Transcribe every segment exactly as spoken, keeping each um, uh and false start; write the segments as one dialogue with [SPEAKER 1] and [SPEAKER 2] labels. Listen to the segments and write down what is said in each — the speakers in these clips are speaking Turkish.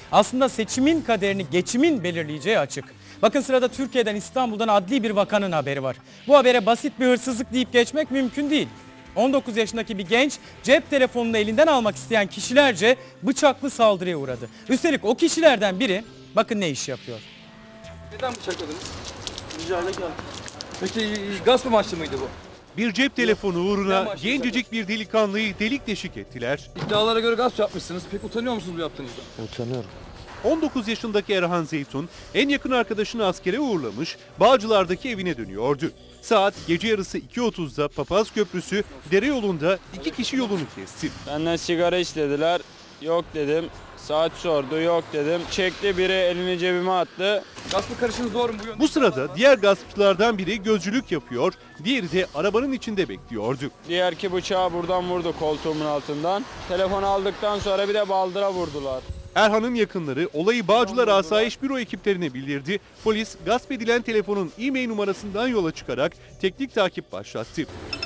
[SPEAKER 1] aslında seçimin kaderini geçimin belirleyeceği açık. Bakın sırada Türkiye'den, İstanbul'dan adli bir vakanın haberi var. Bu habere basit bir hırsızlık deyip geçmek mümkün değil. on dokuz yaşındaki bir genç cep telefonunu elinden almak isteyen kişilerce bıçaklı saldırıya uğradı. Üstelik o kişilerden biri bakın ne iş yapıyor.
[SPEAKER 2] Neden bıçakladınız? Ricayla geldim. Peki gasp amaçlı mıydı bu?
[SPEAKER 3] Bir cep telefonu uğruna gencecik bir delikanlıyı delik deşik ettiler.
[SPEAKER 2] İddialara göre gasp yapmışsınız. Pek utanıyor musunuz bu yaptığınızda?
[SPEAKER 4] Utanıyorum.
[SPEAKER 3] on dokuz yaşındaki Erhan Zeytun en yakın arkadaşını askere uğurlamış, Bağcılar'daki evine dönüyordu. Saat gece yarısı iki otuzda Papaz Köprüsü dere yolunda iki kişi yolunu kesti.
[SPEAKER 5] Benden sigara istediler. Yok dedim. Saat sordu. Yok dedim. Çekti, biri elini cebime attı.
[SPEAKER 2] Gaspla karışınız doğru mu? Bu,
[SPEAKER 3] Bu sırada diğer gaspçılardan biri gözcülük yapıyor, diğeri de arabanın içinde bekliyordu.
[SPEAKER 5] Diğer ki bıçağı buradan vurdu, koltuğumun altından. Telefonu aldıktan sonra bir de baldıra vurdular.
[SPEAKER 3] Erhan'ın yakınları olayı Bağcılar Asayiş Büro ekiplerine bildirdi. Polis gasp edilen telefonun e-mail numarasından yola çıkarak teknik takip başlattı.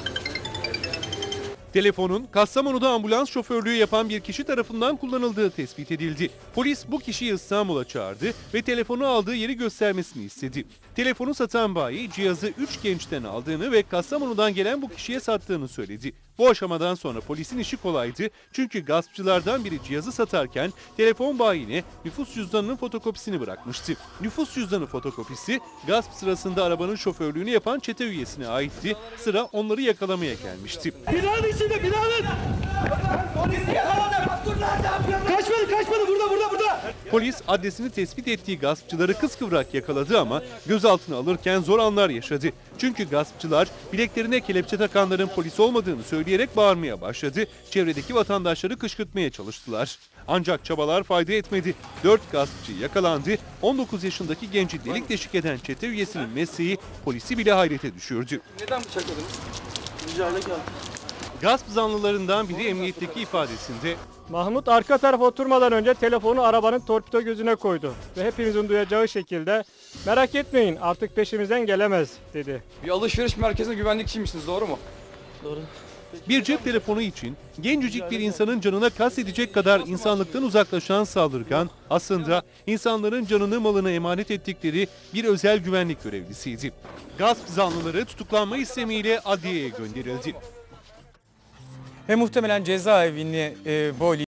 [SPEAKER 3] Telefonun Kastamonu'da ambulans şoförlüğü yapan bir kişi tarafından kullanıldığı tespit edildi. Polis bu kişiyi İstanbul'a çağırdı ve telefonu aldığı yeri göstermesini istedi. Telefonu satan bayi cihazı üç gençten aldığını ve Kastamonu'dan gelen bu kişiye sattığını söyledi. Bu aşamadan sonra polisin işi kolaydı çünkü gaspçılardan biri cihazı satarken telefon bayine nüfus cüzdanının fotokopisini bırakmıştı. Nüfus cüzdanı fotokopisi gasp sırasında arabanın şoförlüğünü yapan çete üyesine aitti. Sıra onları yakalamaya gelmişti.
[SPEAKER 6] Binanın içinde, binanın! Kaçmadı, kaçmadı, burada, burada, burada!
[SPEAKER 3] Polis adresini tespit ettiği gaspçıları kıskıvrak yakaladı ama gözaltına alırken zor anlar yaşadı. Çünkü gaspçılar bileklerine kelepçe takanların polis olmadığını söyleyerek bağırmaya başladı. Çevredeki vatandaşları kışkırtmaya çalıştılar. Ancak çabalar fayda etmedi. dört gaspçı yakalandı. on dokuz yaşındaki genci delik deşik eden çete üyesinin mesleği polisi bile hayrete düşürdü.
[SPEAKER 2] Neden bıçakladınız? Ricayla geldim.
[SPEAKER 3] Gasp zanlılarından biri emniyetteki ifadesinde
[SPEAKER 7] Mahmut arka tarafa oturmadan önce telefonu arabanın torpido gözüne koydu ve hepimizin duyacağı şekilde merak etmeyin artık peşimizden gelemez dedi.
[SPEAKER 2] Bir alışveriş merkezinde güvenlikçiymişsiniz, doğru mu?
[SPEAKER 6] Doğru.
[SPEAKER 3] bir cep telefonu için gencecik bir insanın canına kastedecek kadar insanlıktan uzaklaşan saldırgan aslında insanların canını malını emanet ettikleri bir özel güvenlik görevlisiydi. Gasp zanlıları tutuklanma istemiyle adliyeye gönderildi.
[SPEAKER 1] Ve muhtemelen cezaevini e, boylayacak.